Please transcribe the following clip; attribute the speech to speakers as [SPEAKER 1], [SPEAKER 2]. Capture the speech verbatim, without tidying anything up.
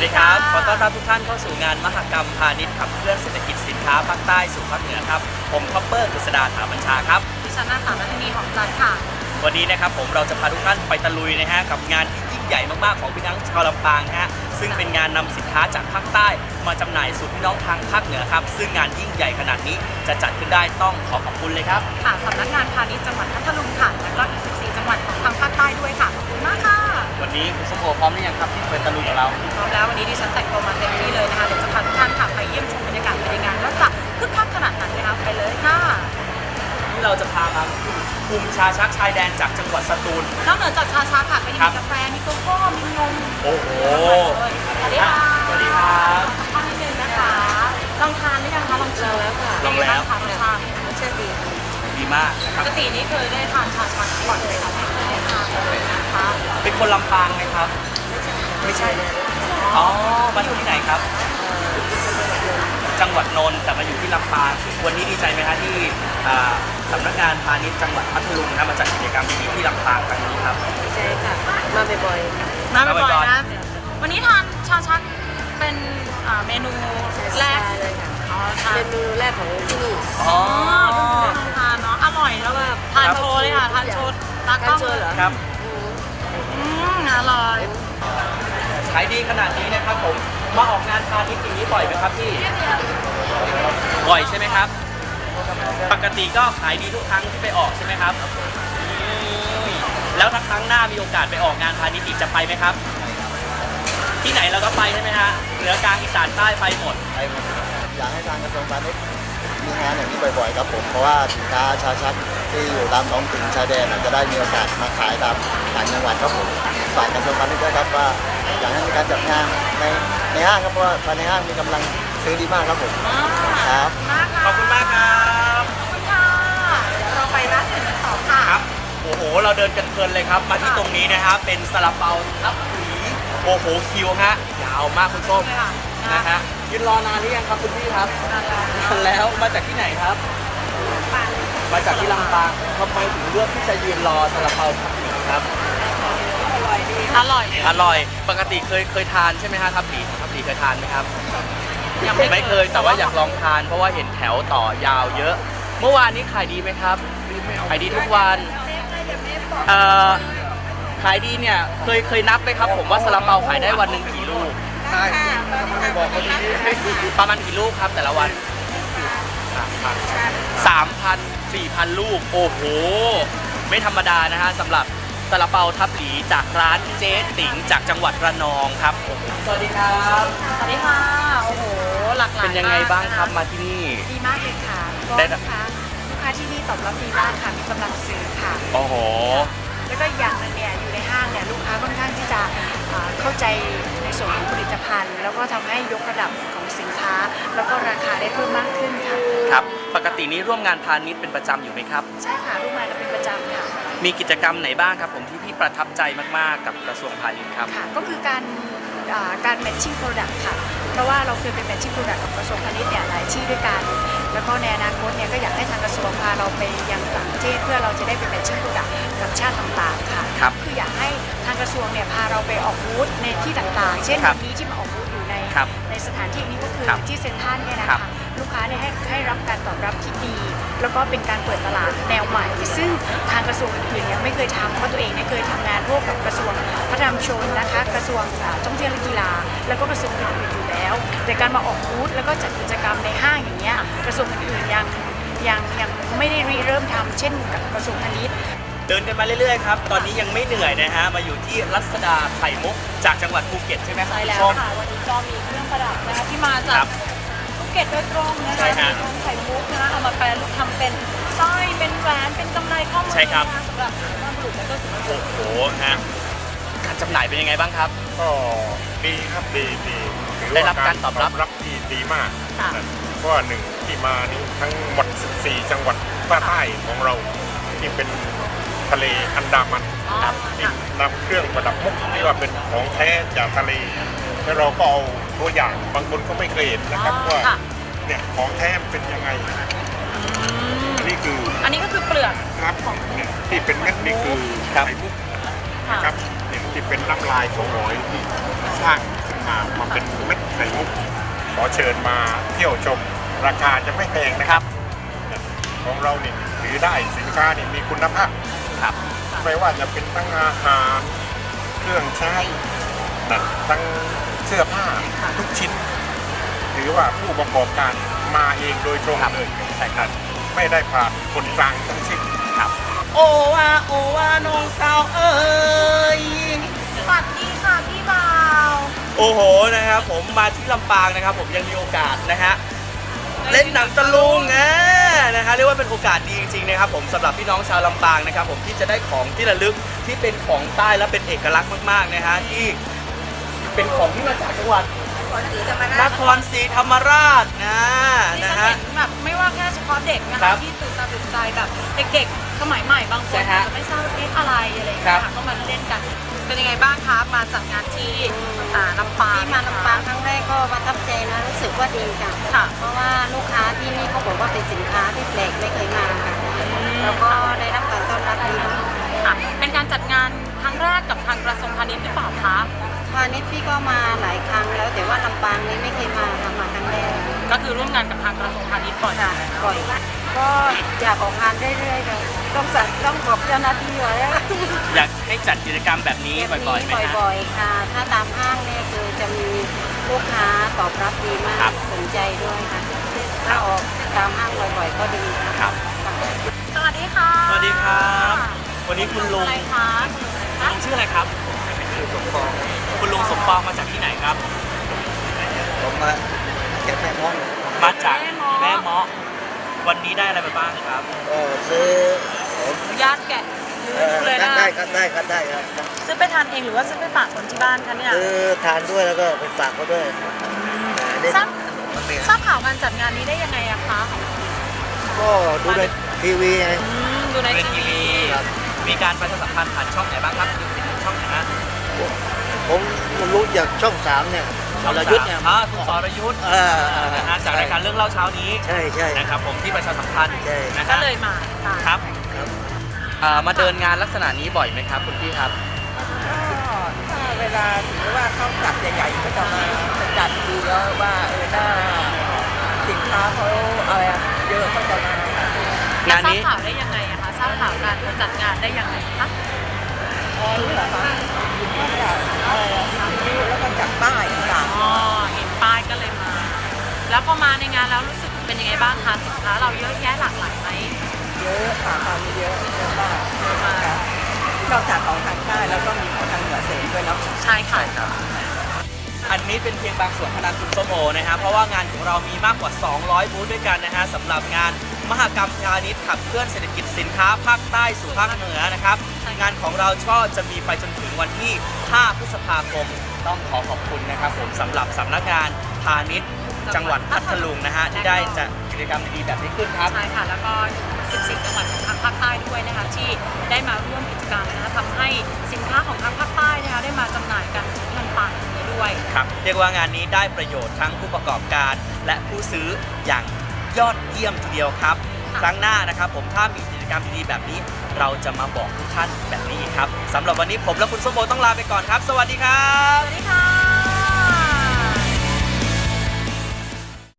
[SPEAKER 1] ดีครับขอต้อนรับทุกท่านเข้าสู่งานมหกรรมพาณิชย์ขับเคลื่อนเศรษฐกิจสินค้าภาคใต้สู่ภาคเหนือครับผมคอปเปอร์กฤษดาถาบัญชาครับ
[SPEAKER 2] ดิฉันนางสาวนัทนีหอมจันทร์ค่ะ
[SPEAKER 1] วันนี้นะครับผมเราจะพาทุกท่านไปตะลุยนะฮะกับงานที่ยิ่งใหญ่มากๆของพี่น้องชาวลำปางฮะซึ่งเป็นงานนำสินค้าจากภาคใต้มาจำหน่ายสู่พี่น้องทางภาคเหนือครับซึ่งงานยิ่งใหญ่ขนาดนี้จะจัดขึ้นได้ต้องขอขอบคุณเลยครับ
[SPEAKER 2] ค่ะสำนักงานพาณิชย์จังหวัดพัทลุงค่ะและก็อีกสิบสี่จังหวัดของทางภาคใต้ด้วยค่ะขอบคุณมากค่ะ
[SPEAKER 1] วันนี้คุณสมโภพร้อมหรือยังครับที่ไปตะลุยกับเรา
[SPEAKER 2] พร้อมแล้ววันนี้ดิฉันแต่งตัวมาเต็มที่เลยนะคะเดี๋ยวจะพาทุกท่านค่ะไปเยี่ยมชมบรรยากาศภายในงานว่าจะคึกคักขนาดไหนนะคะไปเลยค่ะ
[SPEAKER 1] ที่เราจะพามาคุมชาชักชายแดนจากจังหวัดสตูล
[SPEAKER 2] นอกเหนือจากชาชักค่ะก็ยังมีกาแฟมีโกโก้มีนม
[SPEAKER 1] โอ้โห
[SPEAKER 2] สวัสดีค่ะ
[SPEAKER 1] สวัสดีครับ
[SPEAKER 2] ข้าวนิดนึงนะคะลองทานหรือยังคะลองชิมแล้วค่ะ
[SPEAKER 1] ลองแล้ว
[SPEAKER 2] ทานรสชาติรสชาติดี
[SPEAKER 1] ดีมาก
[SPEAKER 2] ปกตินี่เคยได้ทานชาชักก่อนเลยค่ะไม่เคยได้ทานเลยนะคะ
[SPEAKER 1] เป็นคนลำปางไหมครับไม่ใช่อ๋อมาอยู่ที่ไหนครับจังหวัดนนท์แต่มาอยู่ที่ลำปางวันนี้ดีใจไหมคะที่สำนักงานพาณิชย์จังหวัดพัทลุงนะมาจัดกิจกรรมดีๆที่ลำปางครั้งนี้ครับ
[SPEAKER 2] ดีใจค่ะมาบ่อยๆมาบ่อยๆนะวันนี้ทานชาชักเป็นเมนูแรกเลยค่ะเมนูแรกของที่นี่อ๋อทานเนาะอร่อยแล้วแบบทานโชว์เลยค่ะทานโชว์ตากล้องเลย
[SPEAKER 1] ครับ
[SPEAKER 2] อืมอร่อย
[SPEAKER 1] ขายดีขนาดนี้นะครับผมมาออกงานพาณิชย์อย่างนี้บ่อยไหมครับพี่บ่อยใช่ไหมครับปกติก็ขายดีทุกครั้งที่ไปออกใช่ไหมครับแล้วถ้าครั้งหน้ามีโอกาสไปออกงานพาณิชย์อีกจะไปไหมครับที่ไหนเราก็ไปใช่ไหมฮะเหนือกลางอีสานใต้ไปหมด
[SPEAKER 3] ไปหมดอยากให้ทางกระทรวงพาณิชย์มีงานอย่างนี้บ่อยๆครับผมเพราะว่าสินค้าชาชักที่อยู่ตามท้องถิ่นชายแดนจะได้มีโอกาสมาขายตามต่างจังหวัดครับผมฝากกระทรวงพาณิชย์ด้วยครับว่าอยากให้มีการจัดงานในในห้างครับเพราะว่าภายในห้างมีกำลังซื้อดีมากครับผมครับ
[SPEAKER 1] ขอบคุณมากครับ
[SPEAKER 2] ขอบคุณค่ะเดี๋ยวเราไปร้านอื่นกันต่อค่ะ
[SPEAKER 1] ครับโอ้โหเราเดินกันเพลินเลยครับมาที่ตรงนี้นะครับเป็นซาลาเปาทับหวีโอ้โหคิวฮะยาวมากคุณส้มนะฮะยืนรอนานหรือยังครับคุณพี่ครับนานแล้วมาจากที่ไหนครับมาจากที่ลำปางทำไมถึงเลือกที่จะยืนรอซาลาเปาทับหวีครับ
[SPEAKER 2] อร่อยดีอร่อย
[SPEAKER 1] อร่อยปกติเคยเคยทานใช่ไหมฮะทับหวีทับหวีเคยทานไหมครับยังไม่เคยแต่ว่าอยากลองทานเพราะว่าเห็นแถวต่อยาวเยอะเมื่อวานนี้ขายดีไหมครับขายดีทุกวันเอ่อขายดีเนี่ยเคยเคยนับไหมครับผมว่าซาลาเปาขายได้วันหนึ่งกี่ลูกประมาณกี่ลูกครับแต่ละวันสามพันสี่พันลูกโอ้โหไม่ธรรมดานะฮะสำหรับซาลาเปาทับหลีจากร้านเจ๊ติ๋งจากจังหวัดระนองครับสวัสดีครับ
[SPEAKER 2] สวัสดีค่ะโอ้โหหลากหลาย
[SPEAKER 1] เป็นยังไงบ้างครับมาที่นี่
[SPEAKER 2] ดีมากเลยค่ะก็ลูกค้าลูกค้าที่นี่ตอบรับดีมากค่ะมีกำลังซื้อค่ะ
[SPEAKER 1] โอ้โห
[SPEAKER 2] แล้วก็อย่างนึงเนี่ยอยู่ในห้างเนี่ยลูกค้าค่อนข้างที่จะเข้าใจในส่วนของผลิตภัณฑ์แล้วก็ทำให้ยกระดับของสินค้าแล้วก็ราคาได้เพิ่มมากขึ้นค่ะ
[SPEAKER 1] ครับปกตินี้ร่วมงานพาณิชย์เป็นประจำอยู่ไหมครับ
[SPEAKER 2] ใช่ค่ะร่วมงานกันเป็นประจำค่ะ
[SPEAKER 1] มีกิจกรรมไหนบ้างครับผมที่พี่ประทับใจมากๆกับกระทรวงพาณิชย์ครับ
[SPEAKER 2] ค่ะก็คือการการ matching product ค่ะเพราะว่าเราเคยเป็น matching product กับกระทรวงพาณิชย์เนี่ยหลายที่ด้วยกันแล้วก็ในอนาคตเนี่ยก็อยากให้ทางกระทรวงพาเราไปยังต่างประเทศเพื่อเราจะได้เป็น matching product กับชาติต่างๆค่ะ
[SPEAKER 1] ครับ
[SPEAKER 2] คืออยากให้ทางกระทรวงเนี่ยพาเราไปออกบูธในที่ต่างๆเช่นวันนี้ที่มาออกบูธอยู่ในในสถานที่นี้ก็คือที่เซ็นทรัลเนี่ยนะคะลูกค้าเนี่ยให้ให้รับการตอบรับที่ดีแล้วก็เป็นการเปิดตลาดแนวใหม่ซึ่งทางกระทรวงอื่นๆเนี่ยไม่เคยทำเพราะตัวเองเนี่ยเคยทำงานร่วมกับกระทรวงพัฒนาชนนะคะกระทรวงท่องเที่ยวและกีฬาแล้วก็กระทรวงอื่นๆอยู่แล้วแต่การมาออกบูธแล้วก็จัดกิจกรรมในห้างอย่างเงี้ยกระทรวงอื่นๆยังยังยังไม่ได้ริเริ่มทำเช่นกับกระทรวงพาณิชย์
[SPEAKER 1] เดินกันมาเรื่อยๆครับตอนนี้ยังไม่เหนื่อยนะฮะมาอยู่ที่รัศดาไข่มุกจากจังหวัดภูเก็ตใช่ไหมครับ
[SPEAKER 2] ใช่แล้วค่ะวันนี้ก็มีเครื่องประดับนะคะที่มาจากภูเก็ตโดยตรงนะคะมีทั้งไข่มุกนะคะเอามาแปรรูปทำเป็นสร้อยเป็นแหวนเป็นกำไรข้อมือสำหรับสุภาพบุรุษและก็สุภาพสตรี
[SPEAKER 1] โอ้โหฮะการจำหน่ายเป็นยังไงบ้างครับ
[SPEAKER 4] ก็ดีครับดีดี
[SPEAKER 1] ได้รับการตอบรับ
[SPEAKER 4] รับที่ดีมากเพราะว่าหนึ่งที่มานี้ทั้งหมดสิบสี่จังหวัดภาคใต้ของเราที่เป็นทะเลอันดามันที่นำเครื่องประดับมุกที่ว่าเป็นของแท้จากทะเลแล้วเราก็เอาตัวอย่างบางคนก็ไม่เคยเห็นนะครับว่าเนี่ยของแท้เป็นยังไงอันนี้คือ
[SPEAKER 2] อันนี้ก็คือเปลือก
[SPEAKER 4] ครับเนี่ยที่เป็นเม็ดนี่คือไข่มุกนะครับเนี่ยที่เป็นน้ำลายของหอยที่สร้างขึ้นมอ่ามาเป็นเม็ดไข่มุกขอเชิญมาเที่ยวชมราคาจะไม่แพงนะครับของเราเนี่ยถือได้สินค้านี่มีคุณภาพ
[SPEAKER 1] ครับ
[SPEAKER 4] ไม่ว่าจะเป็นทั้งอาหารเครื่องใช้นะทั้งเสื้อผ้าทุกชิ้นถือว่าผู้ประกอบการมาเองโดยตรงเลยใช่ครับไม่ได้ผ่านคนกลางทั้งสิ้นครับ
[SPEAKER 1] โอว่าโอว่าน้องสาวเอ้ย
[SPEAKER 2] สวัสดีค่ะพี่บ่าว
[SPEAKER 1] โอ้โหนะครับผมมาที่ลำปางนะครับผมยังมีโอกาสนะฮะเล่นหนังตะลุงอ่ะนะฮะเรียกว่าเป็นโอกาสดีจริงๆนะครับผมสำหรับพี่น้องชาวลำปางนะครับผมที่จะได้ของที่ระลึกที่เป็นของใต้และเป็นเอกลักษณ์มากๆนะฮะที่เป็นของที่มาจากจังหวัดนครศรีธรรมราชนะนะฮะ
[SPEAKER 2] แบบไม่ว่าแค่เฉพาะเด็กนะ
[SPEAKER 1] ครั
[SPEAKER 2] คะ
[SPEAKER 1] บ
[SPEAKER 2] ที่ตื่นตาตื่นใจแบบเด็กๆสมัยใหม่บางคน
[SPEAKER 1] ใช่ฮะ
[SPEAKER 2] จะไม่ทราบว่าเอ๊ะอะไรอะไรอย่าง
[SPEAKER 1] ครั
[SPEAKER 2] เงี้
[SPEAKER 1] บ
[SPEAKER 2] ยค่ะก็มาเล่นกันเป็นยังไงบ้างคะมาจัดงานที่อ่าลำปาง
[SPEAKER 5] ที่มาลำปางครั้งแรกก็ประทับใจนะรู้สึกว่าดีค่ะ
[SPEAKER 2] ค่ะ
[SPEAKER 5] เพราะว่าลูกค้าที่นี่เขาบอกว่าเป็นสินค้าที่แปลกไม่เคยมาค่ะแล้วก็ได้รับการต้อนรับดีมาก
[SPEAKER 2] ค่ะเป็นการจัดงานครั้งแรกกับทางกระทรวงพาณิชย์หรือเปล่าคะ
[SPEAKER 5] พาณิชย์พี่ก็มาหลายครั้งแล้วแต่ว่าลำปางนี้ไม่เคยมาค่ะมาครั้งแรก
[SPEAKER 2] ก็คือร่วมงานกับทางกระทรวงพาณิชย์ก่อน
[SPEAKER 5] ค่ะบ่อยก็อยากออกงานเรื่อยๆค่ะต้องสั่งต้องบอกเจ้าหน้าที่ไว้
[SPEAKER 1] อยากให้จัดกิจกรรมแบบนี้
[SPEAKER 5] แบบ
[SPEAKER 1] บ่อยๆ
[SPEAKER 5] นี้
[SPEAKER 1] ไหมฮะ
[SPEAKER 5] บ่อยๆค่ะ ถ้าตามห้างเนี่ยคือจะมีลูกค้าตอบรับดีมา
[SPEAKER 1] ครั
[SPEAKER 5] ก
[SPEAKER 1] บ
[SPEAKER 5] สนใจด้วยค่ะถ้าออกตามห้างบ่อยๆก็ดีค่ะ
[SPEAKER 1] ครับ
[SPEAKER 2] สวัสดีค่ะ
[SPEAKER 1] สวัสดีครับวันนี้คุณลุง
[SPEAKER 2] อะไรคะ
[SPEAKER 1] ลุงชื่ออะไรครับคุณลุงสมปองมาจากที่ไหนครับ
[SPEAKER 3] ผมมาเก็บแม่ม้อง
[SPEAKER 1] มาจากแม่เมาะวันนี้ได้อะไรไปบ้างครับ
[SPEAKER 3] ก็ซื้อผม
[SPEAKER 2] ญาติแกะ
[SPEAKER 3] เอ่อ
[SPEAKER 2] เลยนะ
[SPEAKER 3] ได้ครับได้ครับได้ครับ
[SPEAKER 2] ซื้อไปทานเองหรือว่าซื้อไปฝากคนที่บ้านคะเนี่ย
[SPEAKER 3] ซื้อทานด้วยแล้วก็ไปฝากเขาด้วยอันนี้
[SPEAKER 2] ทราบทราบข่าวการจัดงานนี้ได้ยังไงอะคะ
[SPEAKER 3] ก็ดูในทีวีไง
[SPEAKER 2] อืมดูใน
[SPEAKER 1] เป็น
[SPEAKER 2] ที
[SPEAKER 1] ที
[SPEAKER 2] วี
[SPEAKER 1] วี
[SPEAKER 3] ครับ
[SPEAKER 1] มีการประชาสัมพันธ์ผ่านช่องไหนบ้างครับช่องไหนฮะ
[SPEAKER 3] ผมรู้จากช่องสามเนี่ยสรยุทธ์เนี่ย
[SPEAKER 1] อ่าคุณสรยุทธ์
[SPEAKER 3] เออเออ
[SPEAKER 1] นะฮะจากรายการเรื่องเล่าเช้านี้
[SPEAKER 3] ใช่ใช่
[SPEAKER 1] นะครับผมที่ประชาสัมพันธ์
[SPEAKER 3] ใช่
[SPEAKER 1] นะ
[SPEAKER 2] ก็
[SPEAKER 1] ฮะ
[SPEAKER 2] เลยมาค่ะ
[SPEAKER 1] ครับ
[SPEAKER 3] ครับ
[SPEAKER 1] อ่ามาเดินงานลักษณะนี้บ่อยไหมครับคุณพี่ครับ
[SPEAKER 6] ก็ถ้าเวลาถือว่าเขาจัดใหญ่ๆก็จะมาจัดดูแล้วว่าเออหน้าสินค้าเขาอะไรอะเยอะก็จะมา
[SPEAKER 1] งานนี้
[SPEAKER 2] ทราบข่าวได้ยังไงอะคะทราบข่าวการจัดงานได้ยังไงคะ
[SPEAKER 6] อ๋อรู้เหรอคะมาจากอะไรอะวิทยุแล้วก็จากป้ายต่าง
[SPEAKER 2] อ๋อเห็นป้ายก็เลยมา แล้วพอมาในงานแล้วรู้สึกเป็นยังไงบ้างคะสินค้าเราเยอะแยะหลากหลายไหม
[SPEAKER 6] ๆเยอะค่ะตอนนี้เยอะเยอะมากเยอะมากค่ะนอกจากของทางใต้แล้วก็มีของทางเหนือเสริมด้วยเนาะ
[SPEAKER 2] ใช่ค่ะ
[SPEAKER 1] อันนี้เป็นเพียงบางส่วนเท่านั้นคุณส้มโอนะฮะเพราะว่างานของเรามีมากกว่า สองร้อย บูธด้วยกันนะฮะสำหรับงานมหกรรมพาณิชย์ขับเคลื่อนเศรษฐกิจสินค้าภาคใต้สู่ภาคเหนือนะครับงานของเราช่อจะมีไปจนถึงวันที่ ห้า พฤษภาคมต้องขอขอบคุณนะครับผมสำหรับสำนักงานพาณิชย์จังหวัดพัทลุงนะฮะที่ได้จัดกิจกรรมดีๆแบบนี้ขึ้นครับ
[SPEAKER 2] ใช่ค่ะ แล้วก็สิบสี่จังหวัดของทางภาคใต้ด้วยนะคะที่ได้มาร่วมกิจกรรมนะคะทำให้สินค้าของทางภาคใต้นะคะได้มาจำหน่ายกันที่ลำปางนี้ด้วย
[SPEAKER 1] ครับเรียกว่างานนี้ได้ประโยชน์ทั้งผู้ประกอบการและผู้ซื้ออย่างยอดเยี่ยมทีเดียวครับ ครั้งหน้านะครับผมถ้ามีกิจกรรมดีๆแบบนี้ เราจะมาบอกทุกท่านแบบนี้อีกครับสำหรับวันนี้ผมและคุณส้มโอต้องลาไปก่อนครับ สวัสดีครับ
[SPEAKER 2] สวัสดีค่ะ